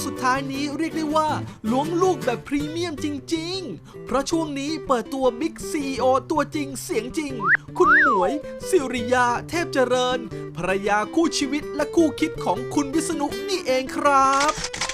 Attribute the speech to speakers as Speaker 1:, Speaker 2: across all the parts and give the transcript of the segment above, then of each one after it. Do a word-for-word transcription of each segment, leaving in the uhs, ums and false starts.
Speaker 1: สุดท้ายนี้เรียกได้ว่าล้วงลูกแบบพรีเมียมจริงๆเพราะช่วงนี้เปิดตัวบิ๊กซีอีโอตัวจริงเสียงจริงคุณหมวยสิริยาเทพเจริญภรรยาคู่ชีวิตและคู่คิดของคุณวิษณุนี่เองครับ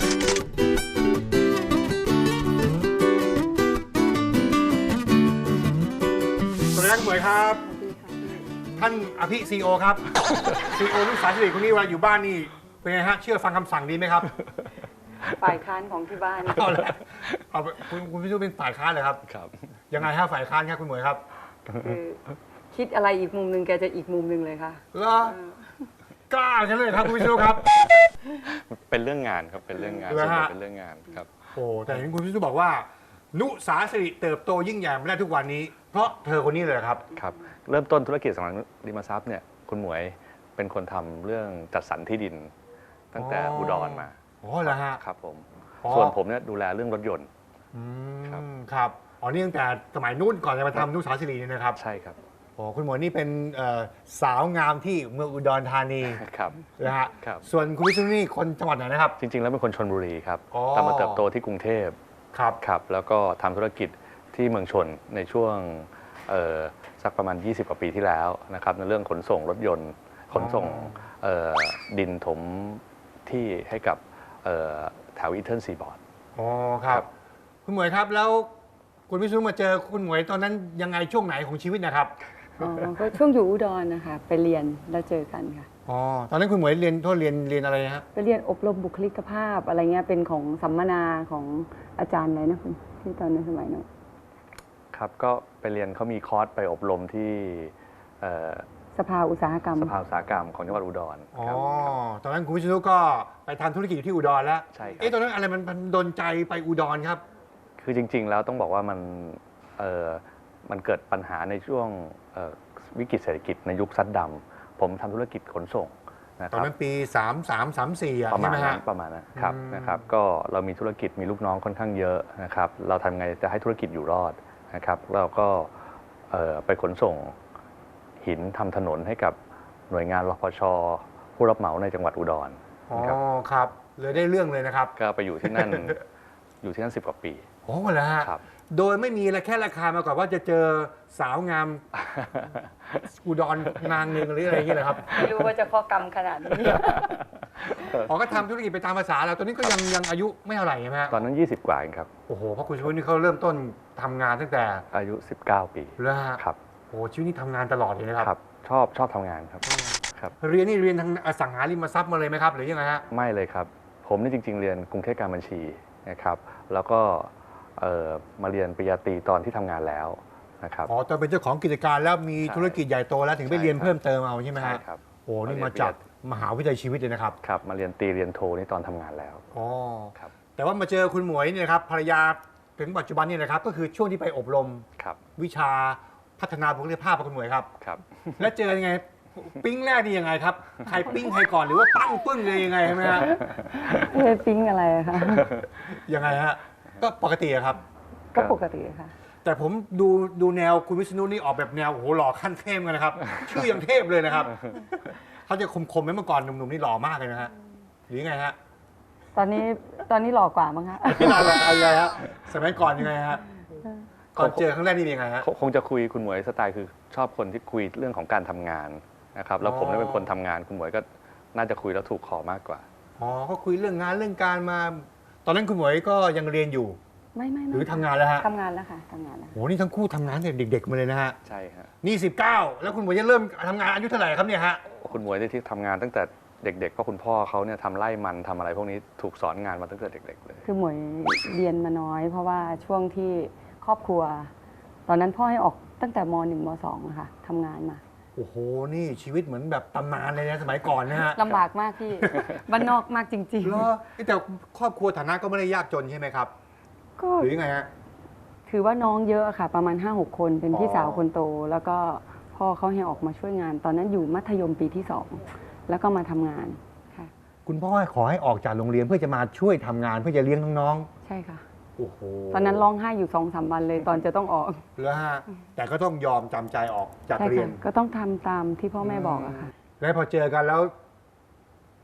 Speaker 2: สวัสดีครับหมวยครับท่านอภิซีโอครับซีโอลูกสาวสิริคนนี้เวลาอยู่บ้านนี่เป็นไงฮะเชื่อฟังคำสั่งดีไหมครับ
Speaker 3: ฝ่ายค้านของที่บ้าน
Speaker 2: เอาละเอาคุณคุณพิชูเป็นฝ่ายค้านเหรอครับ
Speaker 4: ครับ
Speaker 2: ยังไงฮะฝ่ายค้านครับคุณหมวยครับ
Speaker 3: คือคิดอะไรอีกมุมหนึ่งแกจะอีกมุมหนึ่งเลยค่ะ
Speaker 2: เหรอกล้าใช่เลยครับคุณพิชูครับ
Speaker 4: เป็นเรื่องงานครับเป็นเรื่องงานเป็นเรื่องงานครับ
Speaker 2: โอ้แต่เห็นคุณพิชูบอกว่านุสาสิริเติบโตยิ่งใหญ่มาได้ทุกวันนี้เพราะเธอคนนี้เลยครับ
Speaker 4: ครับเริ่มต้นธุรกิจสังหาริมทรัพย์เนี่ยคุณหมวยเป็นคนทำเรื่องจัดสรรที่ดินตั้งแต่อุดรมา
Speaker 2: อ๋อเหรอฮะ
Speaker 4: ครับผมส่วนผมเนี่ยดูแลเรื่องรถยนต์
Speaker 2: ครับครับอ๋อนี่ตั้งแต่สมัยนู้นก่อนจะมาทำนุสาสิรินี่นะครับ
Speaker 4: ใช่ครับ
Speaker 2: โอ้คุณหมวยนี่เป็นสาวงามที่เมืองอุดรธานี
Speaker 4: ครับ
Speaker 2: นะฮะส่วนคุณวิษณุนี่คนจังหวัดไหนนะครับ
Speaker 4: จริงๆแล้วเป็นคนชลบุรีครับแต่มาเติบโตที่กรุงเทพ
Speaker 2: ครับ
Speaker 4: ครับแล้วก็ทำธุรกิจที่เมืองชนในช่วงสักประมาณยี่สิบกว่าปีที่แล้วนะครับในเรื่องขนส่งรถยนต์ขนส่งดินถมที่ให้กับแถวอีเทิร์นซีบอร์ด
Speaker 2: อ๋อครับคุณหมวยครับแล้วคุณวิษณุมาเจอคุณหมวยตอนนั้นยังไงช่วงไหนของชีวิตนะครับ
Speaker 3: อ๋อก็ช่วงอยู่อุดรนะคะไปเรียนแล้วเจอกันค่ะ
Speaker 2: อ๋อตอนนั้นคุณหมวยเรียนโทษเรียนเรียนอะไรฮะ
Speaker 3: ไปเรียนอบรมบุคลิกภาพอะไรเงี้ยเป็นของสัมมนาของอาจารย์อะไรนะคุณที่ตอนนั้นสมัยนั้น
Speaker 4: ครับก็ไปเรียนเขามีคอร์สไปอบรมที่
Speaker 3: สภาอุตสาหกรรม
Speaker 4: สภาอุตสาหกรรมของจังหวัดอุดร
Speaker 2: อ๋อตอนนั้นคุณวิษณุก็ไปทำธุรกิจอยู่ที่อุดรแล้ว
Speaker 4: ใช่ครับ
Speaker 2: เอ๊ะตอนนั้นอะไรมันดลใจไปอุดรครับ
Speaker 4: คือจริงๆแล้วต้องบอกว่ามันมันเกิดปัญหาในช่วงวิกฤตเศรษฐกิจในยุคซัดดำผมทำธุรกิจขนส่งนะครับ
Speaker 2: ตอนนั้นปีสามสามสามสี่
Speaker 4: ประมาณนั้นประมาณนั้นครับนะครับก็เรามีธุรกิจมีลูกน้องค่อนข้างเยอะนะครับเราทำไงจะให้ธุรกิจอยู่รอดนะครับเราก็ไปขนส่งหินทำถนนให้กับหน่วยงานรพช.ผู้รับเหมาในจังหวัดอุดร
Speaker 2: อ๋อครับเลยได้เรื่องเลยนะครับ
Speaker 4: ก็ไปอยู่ที่นั่น อยู่ที่นั่นสิบกว่าปี
Speaker 2: โอ้เหรอฮะโดยไม่มีอะไรแค่ราคามาก่อนว่าจะเจอสาวงามอุดรนางหนึ่งหรืออะไรอย่างเงี้ยนะครับ
Speaker 3: ไม่รู้ว่าจะข้อกรรมขนาดนี้
Speaker 2: อ๋อก็ทำธุรกิจไปตามภาษาแล้วตอนนี้ก็ยังยังอายุไม่เท่าไหร่ใช่ไหม
Speaker 4: ตอนนั้นยี่สิบกว่าเองครับ
Speaker 2: โอ้โหเพราะคุณชูวิทย์นี่เขาเริ่มต้นทำงานตั้งแต่
Speaker 4: อายุสิบเก้าปี
Speaker 2: แล้ว
Speaker 4: ครับ
Speaker 2: โอ้ชีวิตนี้ทำงานตลอดเลยนะครับ
Speaker 4: ชอบชอบทำงานครับครับ
Speaker 2: เรียนนี่เรียนทางอสังหาริมทรัพย์มาเลยไหมครับหรือยังไงฮะ
Speaker 4: ไม่เลยครับผมนี่จริงๆเรียนกรุงเทพการบัญชีนะครับแล้วก็มาเรียนปริญญาตรีตอนที่ทำงานแล้วนะครับ
Speaker 2: อ๋อตอนเป็นเจ้าของกิจการแล้วมีธุรกิจใหญ่โตแล้วถึงไปเรียนเพิ่มเติมเอาใช่ไหมฮะ
Speaker 4: ครับ
Speaker 2: โอ้นี่มาจากมหาวิทยาลัยชีวิตเลยนะครับ
Speaker 4: ครับมาเรียนตรีเรียนโทนี่ตอนทำงานแล้ว
Speaker 2: อ๋อครับแต่ว่ามาเจอคุณหมวยนี่นะครับภรรยาถึงปัจจุบันนี่นะครับก็คือช่วงที่ไปอบรมวิชาพัฒนาบุคลิกภาพของคุณหมวยครับ
Speaker 4: ครับ
Speaker 2: แล้วเจอยังไงปิ้งแรกนี่ยังไงครับใครปิ้งใครก่อนหรือว่าปั้งปึ้งเลยยังไงใช่ไหมฮะ
Speaker 3: เออปิ้งอะไรคะ
Speaker 2: ยังไงฮะก็ปกติครับ
Speaker 3: ก็ปกติค่ะ
Speaker 2: แต่ผมดูดูแนวคุณวิษณุนี่ออกแบบแนวโอ้โหหล่อขั้นเทพกันนะครับชื่อยังเทพเลยนะครับเขาจะคมๆไหมเมื่อก่อนหนุ่มๆนี่หล่อมากเลยนะฮะหรือไงฮะ
Speaker 3: ตอนนี้ตอนนี้หล่อกว่ามั้งฮะ
Speaker 2: ที่หล่ออะไรฮะสมัยก่อนยังไงฮะก่อนเจอครั้งแรกนี่เป็นยังไงฮะ
Speaker 4: คงจะคุยคุณหมวยสไตล์คือชอบคนที่คุยเรื่องของการทำงานนะครับแล้วผมเป็นคนทำงานคุณหมวยก็น่าจะคุยแล้วถูกคอมากกว่า
Speaker 2: อ๋อก็คุยเรื่องงานเรื่องการมาตอนนั้นคุณหมวยก็ยังเรียนอยู่
Speaker 3: ไม่ไม่
Speaker 2: หรือทำงานแล้วฮะ
Speaker 3: ทำงานแล้วค่ะทำงานแล้ว
Speaker 2: โอ้นี่ทั้งคู่ทำงานแต่เด็กๆมาเลยนะฮะ
Speaker 4: ใช่ฮะ
Speaker 2: นี่สิบเก้าแล้วคุณหมวยจะเริ่มทำงานอายุเท่าไหร่ครับเนี่ยฮะ
Speaker 4: คุณหมวยที่ทำงานตั้งแต่เด็กๆเพราะคุณพ่อเขาเนี่ยทำไร่มันทำอะไรพวกนี้ถูกสอนงานมาตั้งแต่เด็กๆเลย
Speaker 3: คือหมวยเรียนมาน้อยเพราะว่าช่วงที่ครอบครัวตอนนั้นพ่อให้ออกตั้งแต่ม หนึ่ง ม สองอะค่ะทำงานมา
Speaker 2: โอ้โหนี่ชีวิตเหมือนแบบตำนานเลยนะสมัยก่อนนะฮะ
Speaker 3: ลำบากมากพี่บ้านนอกมากจริงๆ
Speaker 2: แล้วแต่ครอบครัวฐานะก็ไม่ได้ยากจนใช่ไหมครับ
Speaker 3: ก็
Speaker 2: หรือยังไงฮะ
Speaker 3: ถือว่าน้องเยอะค่ะประมาณ ห้าหก คนเป็นพี่สาวคนโตแล้วก็พ่อเขาให้ออกมาช่วยงานตอนนั้นอยู่มัธยมปีที่สองแล้วก็มาทำงานค่ะ
Speaker 2: คุณพ่อขอให้ออกจากโรงเรียนเพื่อจะมาช่วยทำงานเพื่อจะเลี้ยงน้อง
Speaker 3: ๆใช่ค่ะ
Speaker 2: โอ้โห
Speaker 3: ตอนนั้นร้องไห้อยู่ สองสาม วันเลยตอนจะต้องออก
Speaker 2: แล้วฮะแต่ก็ต้องยอมจำใจออกจากเรียน
Speaker 3: ก็ต้องทำตามที่พ่อแม่บอกอะค่ะ
Speaker 2: แล้วพอเจอกันแล้ว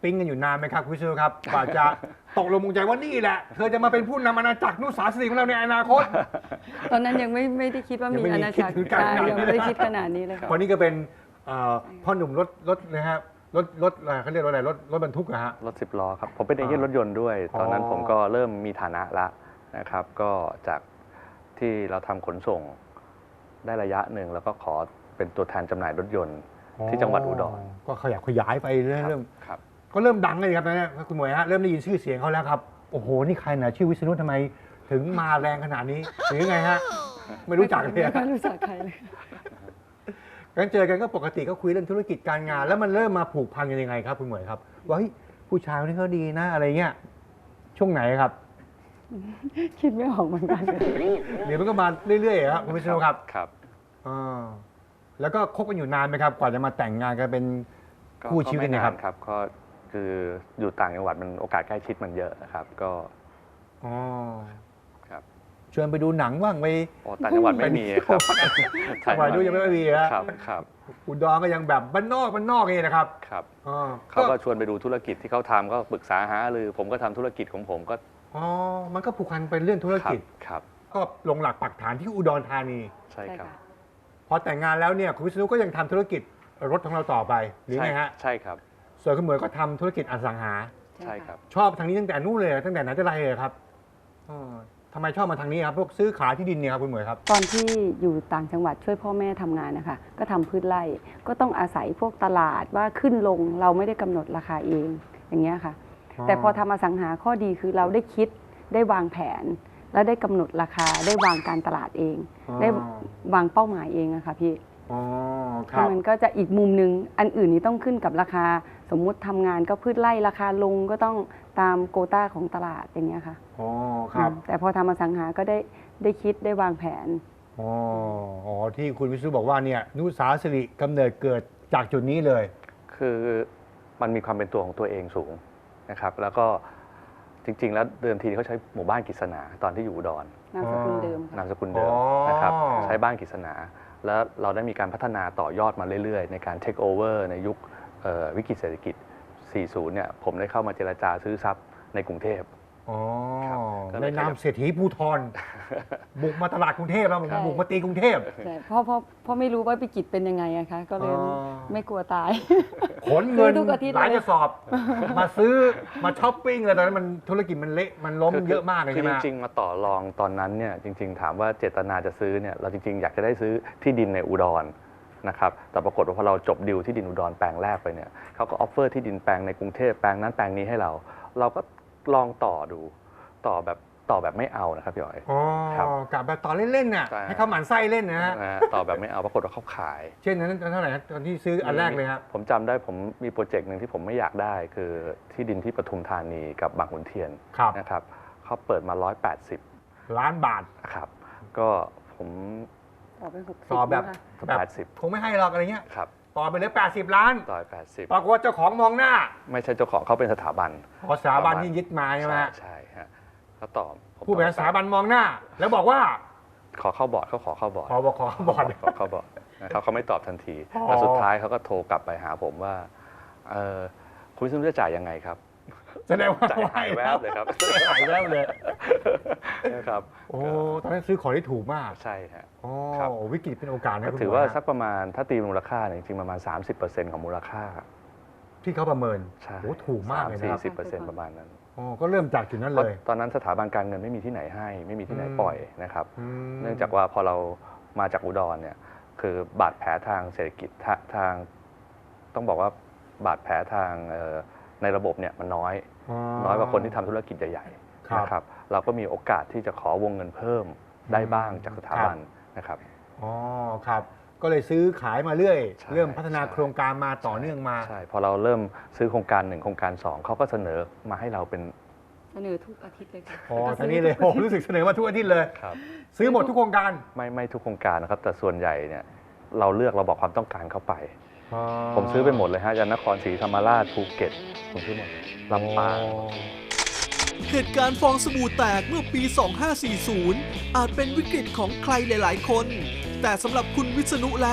Speaker 2: ปิ๊งกันอยู่นานไหมครับคุณวิษณุครับกว่าจะตกลงปลงใจว่านี่แหละเธอจะมาเป็นผู้นำอาณาจักรนุสาสิริของเราในอนาคต
Speaker 3: ตอนนั้นยังไม่ไม่ได้คิดว่า
Speaker 2: ยัง
Speaker 3: มี
Speaker 2: ไม่มี
Speaker 3: อาณาจักร
Speaker 2: คิดถึงการ
Speaker 3: ใช่
Speaker 2: งาน
Speaker 3: ยังไม่ได้คิดขนาดนี้เลยค่ะ
Speaker 2: วันนี้ก็เป็นเอ่อพ่อหนุ่มรถรถนะฮะรถรถอะไรเขาเรียกว่าอะไรรถรถบรรทุกนะฮะ
Speaker 4: รถสิบล้อครับ ผมเป็นเอเย่นรถยนต์ด้วย
Speaker 2: อ๋อ
Speaker 4: ตอนนั้นผมก็เริ่มมีฐานะละนะครับ ก็จากที่เราทำขนส่งได้ระยะหนึ่งแล้วก็ขอเป็นตัวแทนจำหน่ายรถยนต์ที่จังหวัดอุดร
Speaker 2: ก็ขยับขยายไปเรื่
Speaker 4: ครับ
Speaker 2: อย
Speaker 4: ครับ
Speaker 2: ๆก็เริ่มดังเลยครับนะคุณหมวยฮะเริ่มได้ยินชื่อเสียงเขาแล้วครับโอ้โหนี่ใครนะชื่อวิษณุทำไมถึงมาแรงขนาดนี้หรือยังไงฮะไม่รู้จักเลย
Speaker 3: ไม่
Speaker 2: อะ
Speaker 3: ค่อยรู้จักใครเลย
Speaker 2: กันเจอกันก็ปกติก็คุยเรื่องธุรกิจการงาน แล้วมันเริ่มมาผูกพันกันยังไงครับคุณหมวยครับว่าเฮ้ยผู้ชายคนนี้เขาดีนะอะไรเงี้ยช่วงไหนครับ
Speaker 3: คิดไม่ออกเหมือนกัน
Speaker 2: เดี๋ยวมันก็มาเรื่อยๆครับคุณวิษณุครับ
Speaker 4: ครับ
Speaker 2: อ่าแล้วก็คบกันอยู่นานไหมครับ กว่าจะมาแต่งงานกันเป็น
Speaker 4: ก็
Speaker 2: คู่ชีวิต
Speaker 4: ก็ไม่
Speaker 2: เนี่ย
Speaker 4: นา
Speaker 2: ครับ
Speaker 4: นครับก็คืออยู่ต่างจังหวัดมันโอกาสใกล้ชิดมันเยอะนะครับ ก็
Speaker 2: อ๋อ
Speaker 4: ครับ
Speaker 2: ชวนไปดูหนังบ้างไป
Speaker 4: โอ้ต่างจังหวัดไม่มีครับ
Speaker 2: สมัยดูยังไม่มีฮะ
Speaker 4: ครับครับ
Speaker 2: อุดรก็ยังแบบบ้านนอกบ้านนอกนี่นะครับ
Speaker 4: ครับ
Speaker 2: อ๋อ
Speaker 4: เขาก็ชวนไปดูธุรกิจที่เขาทำก็ปรึกษาหารือผมก็ทำธุรกิจของผมก็
Speaker 2: อ๋อมันก็ผูกพันเป็นเรื่องธุร
Speaker 4: ครั
Speaker 2: กิ
Speaker 4: บ
Speaker 2: จ
Speaker 4: ครับ
Speaker 2: ก็ลงหลักปักฐานที่อุดรธานี
Speaker 4: ใช่ครับ
Speaker 2: พอแต่งงานแล้วเนี่ยคุณวิษณุก็ยังทำธุรกิจรถของเราต่อไปหรือไงฮะ
Speaker 4: ใช่ครับ
Speaker 2: ส่วนคุณเหมยก็ทำธุรกิจอสังหา
Speaker 4: ใช่ครับ
Speaker 2: ชอบทางนี้ตั้งแต่นู้นเลยตั้งแต่ไหนแต่ไรเลยครับอ๋อทำไมชอบมาทางนี้ครับพวกซื้อขายที่ดินเนี่ยครับคุณเหมยครับ
Speaker 3: ตอนที่อยู่ต่างจังหวัดช่วยพ่อแม่ทำงานนะคะก็ทำพืชไร่ก็ต้องอาศัยพวกตลาดว่าขึ้นลงเราไม่ได้กำหนดราคาเองอย่างเงี้ยค่ะ
Speaker 2: อ๋อ
Speaker 3: แต่พอทำอสังหาข้อดีคือเราได้คิดได้วางแผน และได้กำหนดราคาได้วางการตลาดเอง ได้วางเป้าหมายเองอะค่ะพี่
Speaker 2: อ๋อครับ
Speaker 3: มันก็จะอีกมุมหนึ่งอันอื่นนี้ต้องขึ้นกับราคาสมมุติทำงานก็พืชไร่ราคาลงก็ต้องตามโควต้าของตลาดอย่างเงี้ยค่ะ
Speaker 2: อ๋อครับ
Speaker 3: อืมแต่พอทำอสังหาก็ได้ได้คิดได้วางแผน
Speaker 2: อ๋ออ๋อที่คุณวิษณุบอกว่าเนี่ยนุสาสิริกำเนิดเกิดจากจุดนี้เลย
Speaker 4: คือมันมีความเป็นตัวของตัวเองสูงนะครับ แล้วก็จริง ๆ แล้วเดิมทีเขาใช้หมู่บ้านกฤษณาตอนที่อยู่อุดร
Speaker 3: นามสกุลเดิม
Speaker 4: นาม
Speaker 3: ค่ะ
Speaker 4: สกุลเดิม
Speaker 2: อ๋อ
Speaker 4: นะครับใช้บ้านกฤษณาแล้วเราได้มีการพัฒนาต่อยอดมาเรื่อยๆ ในการเทคโอเวอร์ในยุคเอ่อวิกฤตเศรษฐกิจ สี่สิบ เนี่ยผมได้เข้ามาเจรจาซื้อทรัพย์ในกรุงเทพ
Speaker 2: อ๋อ
Speaker 4: ครับก็เล
Speaker 2: ใน
Speaker 4: ย
Speaker 2: นามเศรษฐีภูทรบุกมาตลาดกรุงเทพแล้ว
Speaker 3: ใช่
Speaker 2: บุกมาตีกรุงเทพ
Speaker 3: ใช่เพราะเพราะเพราะไม่รู้ว่าวิกฤตเป็นยังไงอะคะก็เลย
Speaker 2: อ๋อ
Speaker 3: ไม่กลัวตาย
Speaker 2: ขนเงิน
Speaker 3: ซื้อทุกอาทิตย์
Speaker 2: หลาย
Speaker 3: เลย
Speaker 2: กระสอบ มาซื้อมาช้อปปิ้งเลยตอนนั้นมันธุรกิจมันเละมันล้มเยอะมากเลย
Speaker 4: คื
Speaker 2: ใช่
Speaker 4: อ
Speaker 2: ไหม
Speaker 4: จริงๆ มาต่อรองตอนนั้นเนี่ยจริง ๆ ถามว่าเจตนาจะซื้อเนี่ยเราจริง ๆ อยากจะได้ซื้อที่ดินในอุดรนะครับแต่ปรากฏว่าพอเราจบดิวที่ดินอุดรแปลงแรกไปเนี่ยเขาก็ออฟเฟอร์ที่ดินแปลงในกรุงเทพแปลงนั้นแปลงนี้ให้เรา เราก็ลองต่อดูต่อแบบต่อแบบไม่เอานะครับพี่อ๋อย
Speaker 2: อ๋อ
Speaker 4: ครับ
Speaker 2: กลับแบบต่อเล่นๆน่ะ
Speaker 4: ใช่
Speaker 2: ให้เขาหมั่นไส้เล่นนะฮะ
Speaker 4: นะฮะต่อแบบไม่เอาปรากฏว่าเขาขาย
Speaker 2: เช่นนั้นเท่าไหร่ฮะตอนที่ซื้ออันแรกเลยครับ
Speaker 4: ผมจำได้ผมมีโปรเจกต์หนึ่งที่ผมไม่อยากได้คือที่ดินที่ปทุมธานีกับบางขุนเทียน
Speaker 2: ครับ
Speaker 4: นะครับเขาเปิดมาร้อยแปดสิบ
Speaker 2: ล้านบาท
Speaker 4: ครับก็ผม
Speaker 3: ต่อเป็นหกสิบ
Speaker 2: ต่อแบบ
Speaker 3: นะคะ
Speaker 2: แบบ
Speaker 4: แปดสิบ
Speaker 2: คงไม่ให้หรอกอะไรเงี้ย
Speaker 4: ครับ
Speaker 2: ต่อไปเลยแปดสิบล้าน
Speaker 4: ร้อยแปดสิบ
Speaker 2: ปรากฏว่าเจ้าของมองหน้า
Speaker 4: ไม่ใช่เจ้าของเขาเป็นสถาบัน
Speaker 2: ขอสถาบันที่ยึดมาใช่ไหม
Speaker 4: ใช่
Speaker 2: ฮะ
Speaker 4: ใช่ฮะเขาต่อผม
Speaker 2: ผู้บริหารสถาบันมองหน้า แล้วบอกว่า
Speaker 4: ขอเข้าบอร์ดเขาขอเข้าบอร์ด
Speaker 2: ขอบอกขอบอร์ด
Speaker 4: ขอเข้าบอร์ดนะครับเขาไม่ตอบทันที
Speaker 2: อ๋อ
Speaker 4: แต่สุดท้ายเขาก็โทรกลับไปหาผมว่าเออคุณวิศนุจะจ่ายยังไงครับ
Speaker 2: แสดงว่า
Speaker 4: จ่ายหายแวบเลยครับ
Speaker 2: หายแวบเลย
Speaker 4: นะครับ
Speaker 2: โอ้ตอนนั้นซื้อของได้ถูกมาก
Speaker 4: ใช่ฮะ
Speaker 2: โอ้
Speaker 4: ครับ
Speaker 2: วิกฤตเป็นโอกาสนะ
Speaker 4: ก็
Speaker 2: คุณ
Speaker 4: ถือ
Speaker 2: หม
Speaker 4: ว่า
Speaker 2: ฮะ
Speaker 4: สักประมาณถ้าตีมูลค่าเนี่ยจริงๆประมาณ สามสิบเปอร์เซ็นต์ ของมูลค่า
Speaker 2: ที่เขาประเมิน
Speaker 4: ใช่
Speaker 2: โอ้ถูกมากเลยนะครับ
Speaker 4: สี่สิบเปอร์เซ็นต์ประมาณนั้น
Speaker 2: โอ้ก็เริ่มจากจุดนั้น
Speaker 4: เพ
Speaker 2: เล
Speaker 4: ราะ
Speaker 2: ย
Speaker 4: ตอนนั้นสถาบันการเงินไม่มีที่ไหนให้ ไม่มีที่ไหน
Speaker 2: อืม
Speaker 4: ปล่อยนะครับ
Speaker 2: อืม
Speaker 4: เนื่องจากว่าพอเรามาจากอุดรเนี่ยคือบาดแผลทางเศรษฐกิจทาทางต้องบอกว่าบาดแผลทางเอ่อในระบบเนี่ยมันน้อย น้อยกว่าคนที่ทำธุรกิจใหญ่
Speaker 2: ครับ
Speaker 4: ๆนะครับเราก็มีโอกาสที่จะขอวงเงินเพิ่มได้บ้างจากสถาบันนะครับ
Speaker 2: อ๋อครับ ก็เลยซื้อขายมาเรื่อย
Speaker 4: ใช่
Speaker 2: เริ่มพัฒนา
Speaker 4: ใช่
Speaker 2: โครงการมาต่อเนื่องมา
Speaker 4: ใช่พอเราเริ่มซื้อโครงการหนึ่งโครงการสองเขาก็เสนอมาให้เราเป็น
Speaker 3: เสนอทุกอาทิตย์เลยค่ะ
Speaker 2: อ๋อ
Speaker 3: แล้วก็
Speaker 2: ทางนี้เลยโอ้รู้สึกเสนอมาทุกอาทิตย์เลย
Speaker 4: ครับ
Speaker 2: ซื้อหมดทุกโครงการ
Speaker 4: ไม่ไม่ทุกโครงการนะครับ แต่ส่วนใหญ่เนี่ยเราเลือกเราบอกความต้องการเข้าไป ผมซื้อไปหมดเลยฮะยันนครศรีธรรมราชภูเก็ตผมซื้อหมดลำปาง
Speaker 1: เหตุการณ์ฟองสบู่แตกเมื่อปี สองห้าสี่ศูนย์ อาจเป็นวิกฤตของใครหลาย ๆ คน แต่สำหรับคุณวิษณุแล้ว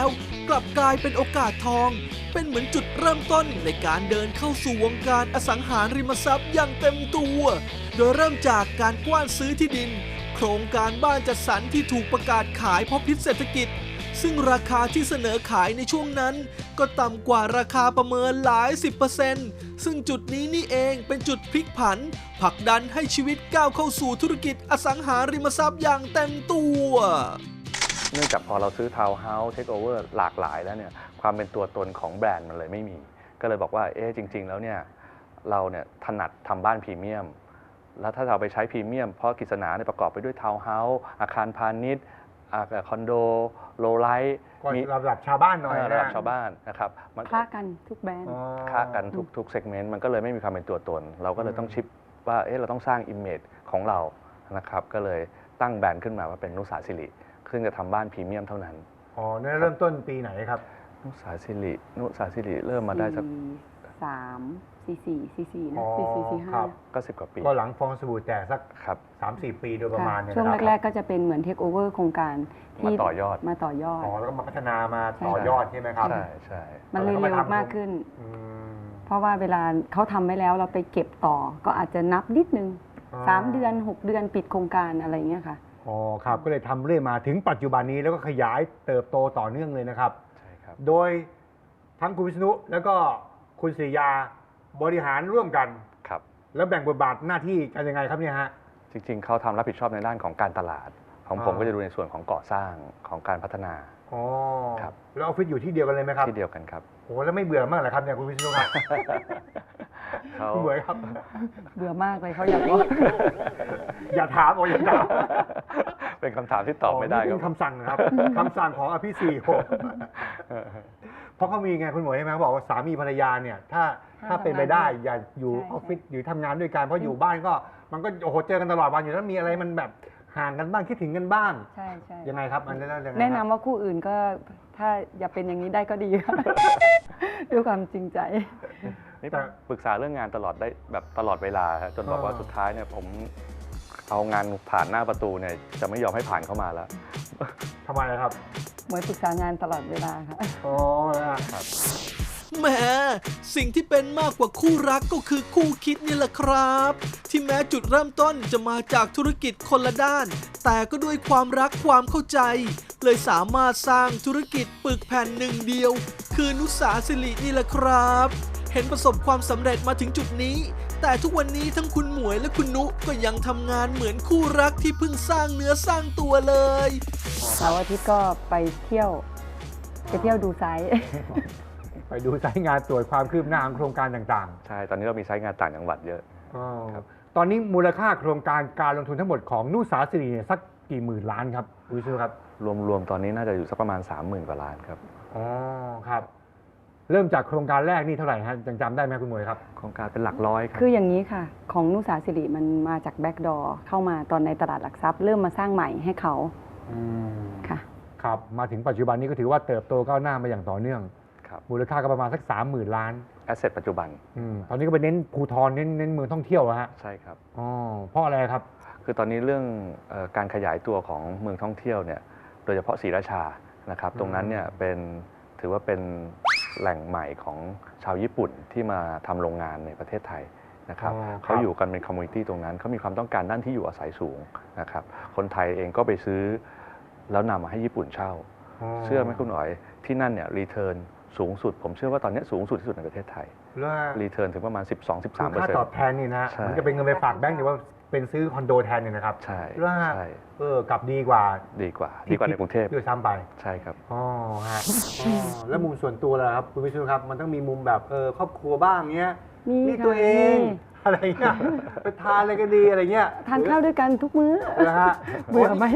Speaker 1: กลับกลายเป็นโอกาสทอง เป็นเหมือนจุดเริ่มต้นในการเดินเข้าสู่วงการอสังหาริมทรัพย์อย่างเต็มตัว โดยเริ่มจากการกว้านซื้อที่ดิน โครงการบ้านจัดสรรที่ถูกประกาศขายเพราะพิษเศรษฐกิจ ซึ่งราคาที่เสนอขายในช่วงนั้น ก็ต่ำกว่าราคาประเมินหลายสิบเปอร์เซ็นต์ซึ่งจุดนี้นี่เองเป็นจุดพลิกผันผลักดันให้ชีวิตก้าวเข้าสู่ธุรกิจอสังหาริมทรัพย์อย่างเต็มตัว
Speaker 4: เนื่องจากพอเราซื้อทาวน์เฮาส์เทคโอเวอร์หลากหลายแล้วเนี่ยความเป็นตัวตนของแบรนด์มันเลยไม่มี ก็เลยบอกว่าเอ๊ะจริง ๆ แล้วเนี่ยเราเนี่ยถนัดทำบ้านพรีเมียม แล้วถ้าเราไปใช้พรีเมียมเพราะกฤษณาเนี่ยประกอบไปด้วยทาวน์เฮาส์อาคารพาณิชย์อาคารคอนโดโลไลท์
Speaker 2: ก็ระดับชาวบ้านหน่อย
Speaker 4: เออ
Speaker 2: นะ
Speaker 4: ระดับชาวบ้านนะครับมัน
Speaker 3: คล้ากันทุกแบรนด์
Speaker 2: อ๋อ
Speaker 4: ค้ากันทุกทุกเซกเมนต์มันก็เลยไม่มีความเป็นตัวตน เราก็เลยต้องชิปว่าเอ๊ะเราต้องสร้างอิมเมจของเรานะครับก็เลยตั้งแบรนด์ขึ้นมาว่าเป็นนุสาสิริซึ่งจะทำบ้านพรีเมียมเท่านั้น
Speaker 2: อ๋อนั่นเริ่มต้นปีไหนครับ
Speaker 4: นุสาสิรินุสาสิริเริ่มมาได้สัก
Speaker 3: สามสี่สี่สี่สี่นะ
Speaker 2: อ๋อ
Speaker 3: สี่สี่สี่ห้า
Speaker 2: ครับ
Speaker 4: ก็สิบกว่าปี
Speaker 2: ก็หลังฟองสบู่แตกสัก
Speaker 4: ครับ
Speaker 2: สามสี่ ปีโดยประมาณเนี่ย
Speaker 3: ช่วง
Speaker 2: นะครับ
Speaker 3: แรก ๆ ก็จะเป็นเหมือนเทคโอเวอร์โครงการที่
Speaker 4: มาต่อยอด
Speaker 3: มาต่อยอด
Speaker 2: อ๋อแล้วก็มาพัฒนามาต่อยอดใช่ไหมครับ
Speaker 4: ใช่ใช่
Speaker 3: มันเลย
Speaker 2: แล้วก็
Speaker 3: เร็
Speaker 2: มาว ทำ
Speaker 3: มากขึ้น
Speaker 2: อืม
Speaker 3: เพราะว่าเวลาเขาทำไว้แล้วเราไปเก็บต่อ ก็อาจจะนับนิดนึง
Speaker 2: อ๋อ
Speaker 3: สามเดือนหกเดือนปิดโครงการอะไรเงี้ยค่ะ
Speaker 2: อ๋อครับก็เลยทำเรื่อยมาถึงปัจจุบันนี้แล้วก็ขยายเติบโตต่อเนื่องเลยนะครับ
Speaker 4: ใช่ครับ
Speaker 2: โดยทั้งคุณวิษณุแล้วก็คุณศิริยาบริหารร่วมกัน
Speaker 4: ครับ
Speaker 2: แล้วแบ่งบทบาทหน้าที่กันยังไงครับเนี่ยฮะ
Speaker 4: จริงๆเขาทำรับผิดชอบในด้านของการตลาด ของผม
Speaker 2: อ่า
Speaker 4: ก็จะดูในส่วนของก่อสร้างของการพัฒนา
Speaker 2: อ๋อ
Speaker 4: ครับ
Speaker 2: แล้วออฟฟิศอยู่ที่เดียวกันเลยไหมครับ
Speaker 4: ที่เดียวกันครับ
Speaker 2: โอ้แล้วไม่เบื่อมากเหรอครับเนี่ยคุณวิษณุครับ
Speaker 4: เขา
Speaker 2: คุณเหมยครับ
Speaker 3: เบื่อมากเลยเขาอยากว่า
Speaker 2: อย่าถามโอ้อย่าถาม
Speaker 4: เป็นคำถามที่ตอบไม่ได้
Speaker 2: นี่
Speaker 4: ค
Speaker 2: เป็
Speaker 4: รับ
Speaker 2: นคำสั่งนะครับคำสั่งของอภิสิทธิ์ผมเพราะเขามีไงคุณหมวยใช่ไหมเขาบอกว่าสามีภรรยาเนี่ยถ้าถ้าเป็นไปได้อย่าอยู่
Speaker 3: ใช่
Speaker 2: ออฟฟิศอยู่ทำงานด้วยกันเพราะอยู่บ้านก็มันก็โอ้โหเจอกันตลอดวันอยู่แล้วมีอะไรมันแบบห่างกันบ้างคิดถึงกันบ้าง
Speaker 3: ใช่ใช่
Speaker 2: ยังไงครับอันนี้แล้วยังไง
Speaker 3: แนะนำ
Speaker 2: ครับ
Speaker 3: ว่าคู่อื่นก็ถ้าอย่าเป็นอย่างนี้ได้ก็ดีค่ะ ด้วยความจริงใจ
Speaker 4: นี่ปรึกษาเรื่องงานตลอดได้แบบตลอดเวลาครับจนบอกว่าสุดท้ายเนี่ยผมเอางานผ่านหน้าประตูเนี่ยจะไม่ยอมให้ผ่านเข้ามาแล้ว
Speaker 2: ทำไมครับ
Speaker 3: เหมือนปรึกษางานตลอดเวลาค่ะ
Speaker 2: อ๋อนะ
Speaker 1: แหมสิ่งที่เป็นมากกว่าคู่รักก็คือคู่คิดนี่แหละครับ ที่แม้จุดเริ่มต้นจะมาจากธุรกิจคนละด้าน แต่ก็ด้วยความรักความเข้าใจ เลยสามารถสร้างธุรกิจปึกแผ่นหนึ่งเดียว คือนุสาสิรินี่แหละครับ เห็นประสบความสำเร็จมาถึงจุดนี้ แต่ทุกวันนี้ทั้งคุณหมวยและคุณนุก็ยังทำงานเหมือนคู่รักที่เพิ่งสร้างเนื้อสร้างตัวเลย
Speaker 3: เสาร์อาทิตย์ก็ไปเที่ยว ไปเที่ยวดูไซต์
Speaker 2: ไปดูสายงานตรวจความคืบหน้าของโครงการต่าง
Speaker 4: ใช่ ตอนนี้เรามีใช้งานต่างจังหวัดเยอะ
Speaker 2: ๆอ๋อ
Speaker 4: ครับ
Speaker 2: ตอนนี้มูลค่าโครงการการลงทุนทั้งหมดของนุสาสิริเนี่ยสักกี่หมื่นล้านครับคุณวิษณุครับ
Speaker 4: รวมๆตอนนี้น่าจะอยู่สักประมาณ สามหมื่น กว่าล้านครับ
Speaker 2: อ๋อครับ เริ่มจากโครงการแรกนี่เท่าไหร่ฮะยังจำได้ไหมคุณหมวยครับ
Speaker 4: โครงการเป็นหลักร้อยครับ
Speaker 3: คืออย่างนี้ค่ะ ของนุสาสิริมันมาจากแบ็กดอร์เข้ามาตอนในตลาดหลักทรัพย์เริ่มมาสร้างใหม่ให้เขา
Speaker 2: อืม
Speaker 3: ค่ะ
Speaker 2: ครับมาถึงปัจจุบันนี้ก็ถือว่าเติบโตก้าวหน้ามาอย่างต่อเนื่อง
Speaker 4: ครับ
Speaker 2: มูลค่าก็ประมาณสักสามหมื่นล้าน
Speaker 4: แอสเซทปัจจุบัน
Speaker 2: อมตอนนี้ก็ไปเน้นภูทรเน้นเน้นเมืองท่องเที่ยวอะฮะ
Speaker 4: ใช่ครับ
Speaker 2: อ๋อเพราะอะไรครับ
Speaker 4: คือตอนนี้เรื่องเอ่อการขยายตัวของเมืองท่องเที่ยวเนี่ยโดยเฉพาะศรีราชานะครับ ตรงนั้นเนี่ยเป็นถือว่าเป็นแหล่งใหม่ของชาวญี่ปุ่นที่มาทำโรงงานในประเทศไทยนะครับ
Speaker 2: อ๋อครับ
Speaker 4: เขาอยู่กันเป็นคอมมูนิตี้ตรงนั้นเขามีความต้องการด้านที่อยู่อาศัยสูงนะครับคนไทยเองก็ไปซื้อแล้วนำมาให้ญี่ปุ่นเช่า เชื่อไหมคุณหน่อยที่นั่นเนี่ยรีเทิร์นสูงสุด ผมเชื่อว่าตอนนี้สูงสุดที่สุดในประเทศไทย
Speaker 2: แล้ว
Speaker 4: รีเทิร์นถึงประมาณ สิบสองถึงสิบสามเปอร์
Speaker 2: ค่า
Speaker 4: เซ็นต์
Speaker 2: ตอบแทนนี่นะ
Speaker 4: ใช่
Speaker 2: มันจะเป็นเงินไปฝากแบงก์หรือว่าเป็นซื้อคอนโดแทนเนี่ยนะครับ
Speaker 4: ใช่
Speaker 2: แล้ว
Speaker 4: ใช่
Speaker 2: เออกลับดีกว่า
Speaker 4: ดีกว่า ดีกว่าในกรุงเทพ
Speaker 2: ด้วยซ้ำไป
Speaker 4: ใช่ครับ
Speaker 2: อ๋อฮะอ๋อแล้วมุมส่วนตัวล่ะครับคุณวิษณุครับมันต้องมีมุมแบบเออครอบครัวบ้างเนี้ย
Speaker 3: มี
Speaker 2: นี่
Speaker 3: ค่ะ
Speaker 2: ตัวเอง
Speaker 3: มี
Speaker 2: อะไรเงี้ยไปทานอะไรกันดีอะไรเงี้ย
Speaker 3: ทานข้าวด้วยกันทุกมื้อ
Speaker 2: นะฮะ
Speaker 3: เบื่อไหม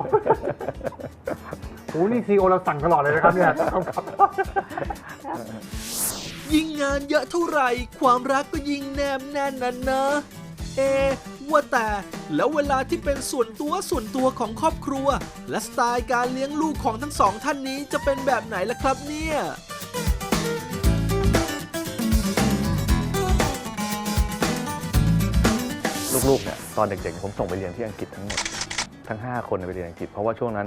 Speaker 2: โอ้นี่ซีโอเราสั่งตลอดเลยนะครับเนี่ยครับ
Speaker 1: ยิ่งงานเยอะเท่าไหร่ ความรักก็ยิ่งแนบแน่นนะนะ เอะว่าแต่แล้วเวลาที่เป็นส่วนตัวส่วนตัวของครอบครัว และสไตล์การเลี้ยงลูกของทั้งสองท่านนี้จะเป็นแบบไหนล่ะครับเนี่ย
Speaker 4: ลูกๆเนี่ยตอนเด็กๆผมส่งไปเรียนที่อังกฤษทั้งหมดทั้งห้าคนไปเรียนอังกฤษเพราะว่าช่วงนั้น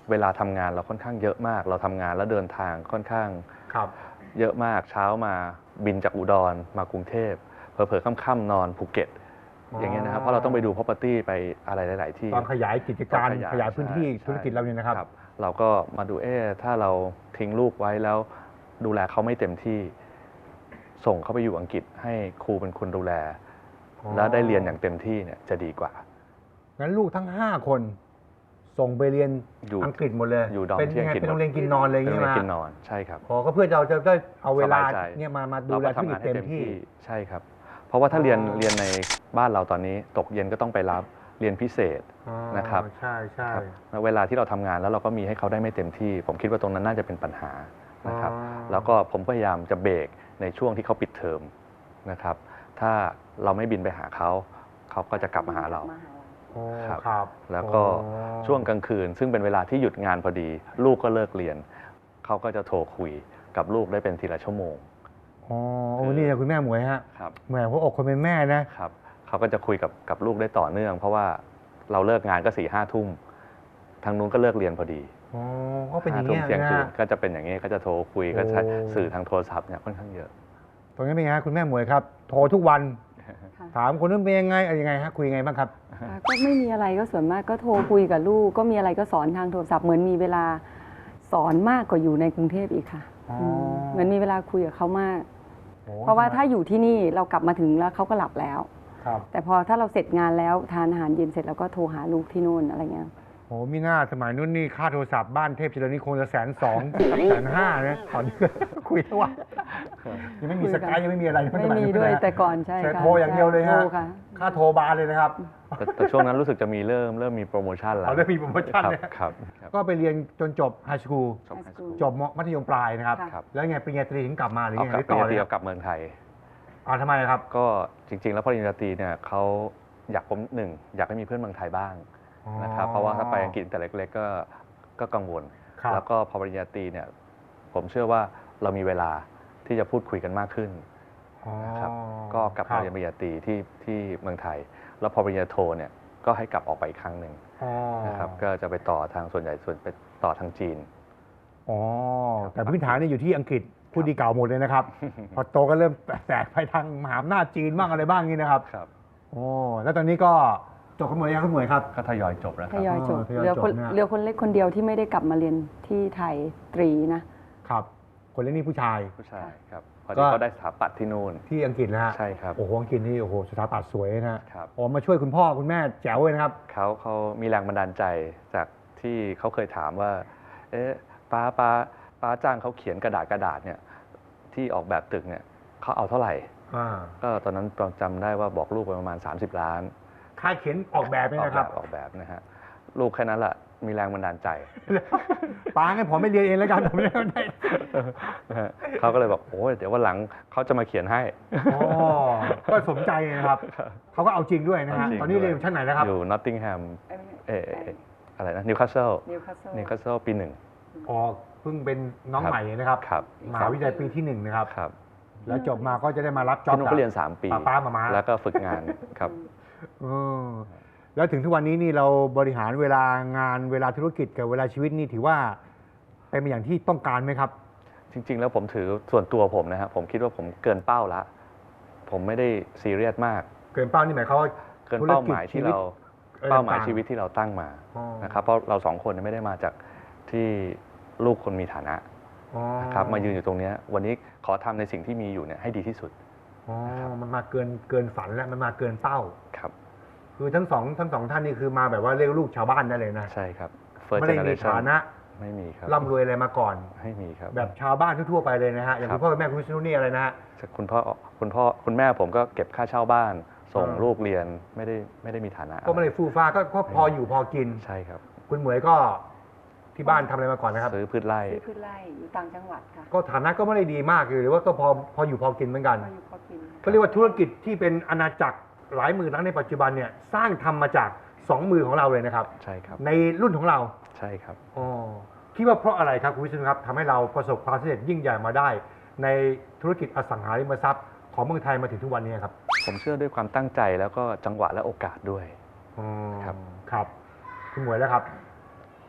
Speaker 4: เวลาทำงานเราค่อนข้างเยอะมาก เราทำงานแล้วเดินทางค่อนข้าง
Speaker 2: ครับ
Speaker 4: เยอะมากเช้ามาบินจากอุดรมากรุงเทพเผลอๆค่ำๆนอนภูเก็ต
Speaker 2: อ๋อ
Speaker 4: อ
Speaker 2: อย่าง
Speaker 4: เงี้ยนะครับเพราะเราต้องไปดู property ไปอะไรหลาย ๆ ที่
Speaker 2: ตอนขยายกิจการ
Speaker 4: ตอน
Speaker 2: ขยายพื้นที่
Speaker 4: ใช่
Speaker 2: ธุรกิจเราเนี่ยนะครับ
Speaker 4: เราก็มาดูเอ๊ะถ้าเราทิ้งลูกไว้แล้วดูแลเขาไม่เต็มที่ ส่งเขาไปอยู่อังกฤษให้ครูเป็นคนดูแล
Speaker 2: อ๋อ
Speaker 4: แล้วได้เรียนอย่างเต็มที่เนี่ยจะดีกว่า
Speaker 2: งั้นลูกทั้งห้าคนส่งไปเรียน
Speaker 4: อยู่
Speaker 2: อังกฤษหมดเลย
Speaker 4: อยู่ดอม
Speaker 2: เป็น
Speaker 4: ที่
Speaker 2: ยังไง
Speaker 4: อังกฤษ
Speaker 2: เป็นโรงเรียนกินนอนเลย
Speaker 4: เป็น
Speaker 2: ใช่
Speaker 4: โรง
Speaker 2: ไหม
Speaker 4: เรียนกินนอนใช่ครับ
Speaker 2: อ๋อก็เพื่อเราจะได้เอาเวลา
Speaker 4: สบายใจ
Speaker 2: เนี่ยมามาดู
Speaker 4: เรา
Speaker 2: แล
Speaker 4: ก็
Speaker 2: ธุร
Speaker 4: ทำ
Speaker 2: กิ
Speaker 4: งา
Speaker 2: จ
Speaker 4: นให้
Speaker 2: เต็ม
Speaker 4: เต็ม
Speaker 2: ที่
Speaker 4: ที่ใช่ครับ เพราะว่าถ้าเรียน
Speaker 2: อ๋อ
Speaker 4: เรียนในบ้านเราตอนนี้ตกเย็นก็ต้องไปรับเรียนพิเศษ
Speaker 2: อ๋อ
Speaker 4: นะครับ
Speaker 2: ใช่ใช่
Speaker 4: ครับแล้วเวลาที่เราทำงานแล้วเราก็มีให้เขาได้ไม่เต็มที่ ผมคิดว่าตรงนั้นน่าจะเป็นปัญหานะครับ
Speaker 2: อ๋อ
Speaker 4: แล้วก็ผมพยายามจะเบรกในช่วงที่เขาปิดเทอมนะครับ ถ้าเราไม่บินไปหาเขาเขาก็จะกลับมาหาเรา
Speaker 2: โอ้
Speaker 4: ครับ
Speaker 2: ครับ
Speaker 4: แล้วก็
Speaker 2: อ๋อ
Speaker 4: ช่วงกลางคืน ซึ่งเป็นเวลาที่หยุดงานพอดี ลูกก็เลิกเรียนเขาก็จะโทรคุยกับลูกได้เป็นทีละชั่วโมง
Speaker 2: อ๋อโอ้นี่นะคุณแม่หมวยฮะ
Speaker 4: ครับ
Speaker 2: แหมหัวอกคนเป็นแม่นะครับ
Speaker 4: เขาก็จะคุยกับกับลูกได้ต่อเนื่อง เพราะว่าเราเลิกงานก็สี่ห้าทุ่มทางนู้นก็เลิกเรียนพอดี
Speaker 2: อ๋อก็เป็นอ
Speaker 4: ห้า
Speaker 2: ย่าง
Speaker 4: ทุ่
Speaker 2: เงี้
Speaker 4: ม
Speaker 2: ย
Speaker 4: เที่ยง
Speaker 2: นะ
Speaker 4: คืน
Speaker 2: ฮะ
Speaker 4: ก็จะเป็นอย่างนี้ก็จะโทรคุย
Speaker 2: โอ้
Speaker 4: ก็ใช้สื่อทางโทรศัพท์เนี่ยค่อนข้างเยอะ
Speaker 2: ตรงนี้เป็นไงฮะคุณแม่หมวยครับ โทรทุกวัน ถามคนนั้นเป็นยังไงอะไรยังไงฮะคุยยังไงบ้างครับ
Speaker 3: ค่ะก็ไม่มีอะไรก็ส่วนมากก็โทรคุยกับลูก ก็มีอะไรก็สอนทางโทรศัพท์เหมือนมีเวลาสอนมากกว่าอยู่ในกรุงเทพอีกค่ะ
Speaker 2: อ๋ออื
Speaker 3: มเหมือนมีเวลาคุยกับเขามาก
Speaker 2: โอ้
Speaker 3: เพราะว่าถ้าอยู่ที่นี่เรากลับมาถึงแล้วเขาก็หลับแล้ว
Speaker 2: ครับ
Speaker 3: แต่พอถ้าเราเสร็จงานแล้วทานอาหารเย็นเสร็จแล้วก็โทรหาลูกที่นู่นอะไรเงี้ย
Speaker 2: โอ้มีหน้าสมัยนู้นนี่ค่าโทรศัพท์บ้านเทพเจริญนี่คงจะแสนสองแสนห้านะตอนนี้คุยทั้งวันยังไม่มีสกายยังไม่มีอะไร
Speaker 3: ไม่มีด้วยแต่ก่อนใช่
Speaker 2: ใช้
Speaker 3: ค่ะ
Speaker 2: โทรอย่างเดียวเลยฮะ
Speaker 3: โทรค่ะ
Speaker 2: ค่าโทรบาร์เลยนะครับ
Speaker 4: แต่แต่ช่วงนั้นรู้สึกจะมีเริ่มเริ่มมีโปรโมชั่นแล้ว
Speaker 2: เอาได้มีโปรโมชั่น
Speaker 4: ครับ
Speaker 2: เนี่ย
Speaker 4: ครับครับ
Speaker 2: ก็ไปเรียนจนจบไฮสคูล
Speaker 4: จบ
Speaker 3: High school
Speaker 2: จบมัธยมปลายนะครับ
Speaker 3: ค่ะ
Speaker 2: แล้วไงปริญญาตรีถึงกลับมาหรือ
Speaker 4: เอา
Speaker 2: ยัง
Speaker 4: กลั
Speaker 2: ไง
Speaker 4: บ
Speaker 2: หรือ
Speaker 4: ปริญ
Speaker 2: ต่อ
Speaker 4: ญาต
Speaker 2: เล
Speaker 4: รี
Speaker 2: ย
Speaker 4: เอากลับเมืองไทย
Speaker 2: อ่าทำไมครับ
Speaker 4: ก็จริง ๆ แล้วปริญญาตรีเนี่ยเขาอยากผมหนึ่งอยากให้มีเพื่อนเมืองไทยบ้างนะครับเพราะว่าถ้าไปอังกฤษแต่เล็กๆก็ก็กังวล
Speaker 2: ครับ
Speaker 4: แล้วก็พอปริญญาตรีเนี่ยผมเชื่อว่าเรามีเวลาที่จะพูดคุยกันมากขึ้น
Speaker 2: อ๋อ
Speaker 4: นะครับก็กลับ
Speaker 2: ครั
Speaker 4: มาเรียนปริญญาตรีที่ที่เมืองไทย แล้วพอปริญญาโทเนี่ยก็ให้กลับออกไปอีกครั้งหนึ่ง
Speaker 2: อ๋อ
Speaker 4: นะครับก็จะไปต่อทางส่วนใหญ่ส่วนไปต่อทางจีน
Speaker 2: อ๋อแต่พื้นฐานเนี่ยอยู่ที่อังกฤษพูดดีเก่าหมดเลยนะครับ พอโตก็เริ่มแตกไปทางมหาอำนาจจีนบ้างอะไรบ้างนี่นะครับ
Speaker 4: ครับ
Speaker 2: โอ้แล้วตอนนี้ก็จบขโมยยังขโมยครับ
Speaker 4: ก็ทยอยจบแล้วค
Speaker 3: ท
Speaker 4: รับ
Speaker 3: ยอยจบ
Speaker 2: อ๋อทยอย
Speaker 3: เหลือคน
Speaker 2: จบนะ
Speaker 3: เหลือคนเล็กคนเดียวที่ไม่ได้กลับมาเรียนที่ไทยตรีนะ
Speaker 2: ครับ คนเล่นนี่ผู้ชาย
Speaker 4: ผู้ชายครับพอ
Speaker 2: ก็
Speaker 4: ดีเขาได้สถาปัตย์ที่นู่น
Speaker 2: ที่อังกฤษนะฮะ
Speaker 4: ใช่ครับ
Speaker 2: โอ้โหอังกฤษนี่โอ้โหสถาปัตย์สวยนะครับ อ๋อมาช่วยคุณพ่อคุณแม่แจ๋วเลยนะครับ
Speaker 4: เขาเขามีแรงบันดาลใจจากที่เขาเคยถามว่า เอ๊ะป้าป้าป้าจ้างเขาเขียนกระดาษกระดาษเนี่ยที่ออกแบบตึกเนี่ยเขาเอาเท่าไหร่
Speaker 2: อ่า
Speaker 4: ก็ตอนนั้นจำได้ว่าบอกลูกไปประมาณ สามสิบ ล้าน
Speaker 2: ค่ายเขียนออกแบบนี่
Speaker 4: ออก
Speaker 2: นะค
Speaker 4: แบ
Speaker 2: รั
Speaker 4: บบ ออกแบบนะฮะลูกแค่นั้นแหละมีแรงบันดาลใจ
Speaker 2: ป้างั้นผมไม่เรียนเองแล้วกันผมไม่ได้
Speaker 4: นะฮะเขาก็เลยบอกโอ้ยเดี๋ยววันหลังเขาจะมาเขียนให้
Speaker 2: อ๋อก็สมใจนะครับเขาก็เอาจริงด้วยนะฮะ
Speaker 4: เอาจริง
Speaker 2: ตอนนี้เรียนอยู่ชั้นไหนนะครับ
Speaker 4: อยู่นอตติงแฮมเออเอ่ออะไรนะนิวคาสเซิล
Speaker 3: นิวคาสเซิล
Speaker 4: นิวคาสเซิลปีหนึ่ง
Speaker 2: อ๋อเพิ่งเป็นน้องใหม่นะครับ
Speaker 4: ครับ
Speaker 2: มหาวิทยาลัยปีที่หนึ่งนะครับ
Speaker 4: ครับ
Speaker 2: แล้วจบมาก็จะได้มารับจ็อบ
Speaker 4: ที่นู้นก็เรียนสามปี
Speaker 2: ป้าป้ามามา
Speaker 4: แล้วก็ฝึกงานครับ
Speaker 2: เออแล้วถึงทุกวันนี้นี่เราบริหารเวลางานเวลาธุรกิจกับเวลาชีวิตนี่ถือว่าเป็นไปอย่างที่ต้องการไหมครับ
Speaker 4: จริง ๆ แล้วผมถือส่วนตัวผมนะครับผมคิดว่าผมเกินเป้าละผมไม่ได้ซีเรียสมาก
Speaker 2: เกินเป้านี่หมายความว่า
Speaker 4: เกินเป้าหมายที่เรา
Speaker 2: ธุรกิจชีวิต
Speaker 4: เป้าหมาย
Speaker 2: ต่างๆ
Speaker 4: ชีวิตที่เราตั้งมา
Speaker 2: อ๋อ
Speaker 4: นะครับเพราะเราสองคนไม่ได้มาจากที่ลูกคนมีฐานะ
Speaker 2: อ๋อ
Speaker 4: นะครับมายืนอยู่ตรงเนี้ยวันนี้ขอทำในสิ่งที่มีอยู่เนี่ยให้ดีที่สุด
Speaker 2: อ๋อมันมาเกินเกินฝันแล้วมันมาเกินเป้า
Speaker 4: ครับ
Speaker 2: คือทั้งสองทั้งสองท่านนี่คือมาแบบว่าเรียกลูกชาวบ้านได้เลยนะ
Speaker 4: ใช่ครับ First
Speaker 2: ไม่ได้มี
Speaker 4: generation
Speaker 2: ฐานะ
Speaker 4: ไม่มีครับ
Speaker 2: ร่ำรวยอะไรมาก่อน
Speaker 4: ไม่มีครับ
Speaker 2: แบบชาวบ้านทั่วๆไปเลยนะฮะอย่าง
Speaker 4: ครั
Speaker 2: คุ
Speaker 4: บ
Speaker 2: ณพ่อคุณแม่คุณวิษณุนี่อะไรนะฮะ
Speaker 4: คุณพ่อคุณพ่อคุณแม่ผมก็เก็บค่าเช่าบ้าน ส่ง
Speaker 2: อ่า
Speaker 4: ลูกเรียนไม่ได้ไม่ได้มีฐานะ
Speaker 2: ก็ไม่ได้ฟูฟ้าก็ก็พออยู่พอกิน
Speaker 4: ใช่ครับ
Speaker 2: คุณเหมยก็ที่บ้านทำอะไรมาก่อนนะครับ
Speaker 4: ซื้อพืชไร่
Speaker 3: ซื้อพืชไร่อยู่ต่างจังหวัดค่ะ
Speaker 2: ก็ฐานะก็ไม่ได้ดีมากหรือว่าก็พอพออยู่พอกินเหมือนกัน
Speaker 3: พออยู่พอกิน
Speaker 2: ก็เรียกว่าธุรกิจที่เป็นอาณาจักรหลายหมื่นล้านในปัจจุบันเนี่ยสร้างทำมาจากสองมือของเราเลยนะครับ
Speaker 4: ใช่ครับ
Speaker 2: ในรุ่นของเรา
Speaker 4: ใช่ครับ
Speaker 2: อ๋อคิดว่าเพราะอะไรครับคุณวิษณุครับทำให้เราประสบความสำเร็จยิ่งใหญ่มาได้ ในธุรกิจอสังหาริมทรัพย์ของเมืองไทยมาถึงทุกวันนี้ครับ
Speaker 4: ผมเชื่อด้วยความตั้งใจแล้วก็จังหวะและโอกาสด้วย
Speaker 2: อ๋อ
Speaker 4: ครับ
Speaker 2: ครับ คุณหมวยแล้วครับ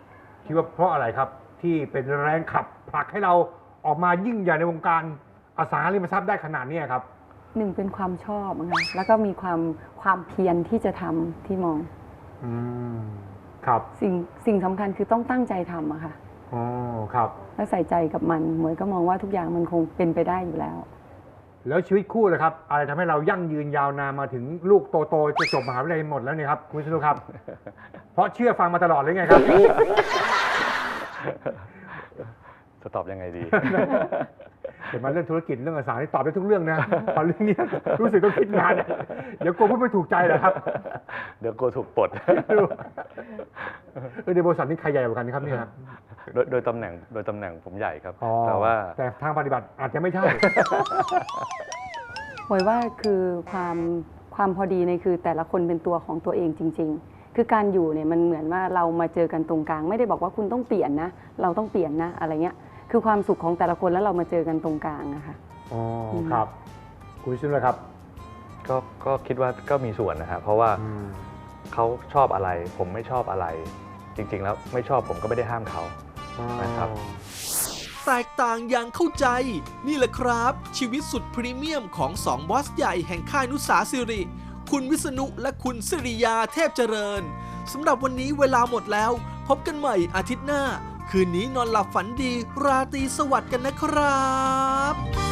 Speaker 2: คิดว่าเพราะอะไรครับ ที่เป็นแรงขับผลักให้เราออกมายิ่งใหญ่ในวงการอสังหาริมทรัพย์ได้ขนาดนี้ครับ
Speaker 3: หนึ่งเป็นความชอบนะคะแล้วก็มีความความเพียรที่จะทำที่มอง
Speaker 2: อืมครับ
Speaker 3: สิ่งสิ่งสำคัญคือต้องตั้งใจทำอะค่ะ
Speaker 2: อ๋อครับ
Speaker 3: และใส่ใจกับมันเหมือนก็มองว่าทุกอย่างมันคงเป็นไปได้อยู่แล้ว
Speaker 2: แล้วชีวิตคู่เลยครับ อะไรทำให้เรายั่งยืนยาวนานมาถึงลูกโตๆจะจบมหาวิทยาลัยหมดแล้วเนี่ยครับคุณวิษณุครับ เพราะเชื่อฟังมาตลอดเลยไงครับ
Speaker 4: จะตอบยังไงดี
Speaker 2: เห็นมาเรื่องธุรกิจเรื่องอสังหาที่ตอบได้ทุกเรื่องนะพอเรื่องนี้รู้สึกต้องคิดนานเนี่ยเดี๋ยวกลัวพูดไม่ถูกใจเหรอครับ
Speaker 4: เดี๋ยวกลัวถูกปลด
Speaker 2: เออในบริษัทนี้ใครใหญ่กว่ากันครับเนี่ยครับ
Speaker 4: โดยโดยตำแหน่งโดยตำแหน่งผมใหญ่ครับ
Speaker 2: อ๋อ
Speaker 4: แต่ว่า
Speaker 2: แต่ทางปฏิบัติอาจจะไม่ใช่
Speaker 3: หวยว่าคือความความพอดีในคือแต่ละคนเป็นตัวของตัวเองจริง ๆ คือการอยู่เนี่ยมันเหมือนว่าเรามาเจอกันตรงกลาง ไม่ได้บอกว่าคุณต้องเปลี่ยนนะ เราต้องเปลี่ยนนะอะไรเงี้ยคือความสุขของแต่ละคนแล้วเรามาเจอกันตรงกลางนะคะ
Speaker 2: อ๋อครับ คุณวิษณุเลยครับ
Speaker 4: ก็ก็คิดว่าก็มีส่วนนะครับเพราะว่า
Speaker 2: อืม
Speaker 4: เขาชอบอะไร ผมไม่ชอบอะไร จริง ๆ แล้วไม่ชอบผมก็ไม่ได้ห้ามเขา นะครับ
Speaker 1: แตกต่างอย่างเข้าใจ นี่แหละครับ ชีวิตสุดพรีเมียมของสองบอสใหญ่แห่งค่ายนุสาสิริ คุณวิษณุและคุณสิริยาเทพเจริญสำหรับวันนี้เวลาหมดแล้ว พบกันใหม่อาทิตย์หน้า คืนนี้นอนหลับฝันดี ราตรีสวัสดิ์กันนะครับ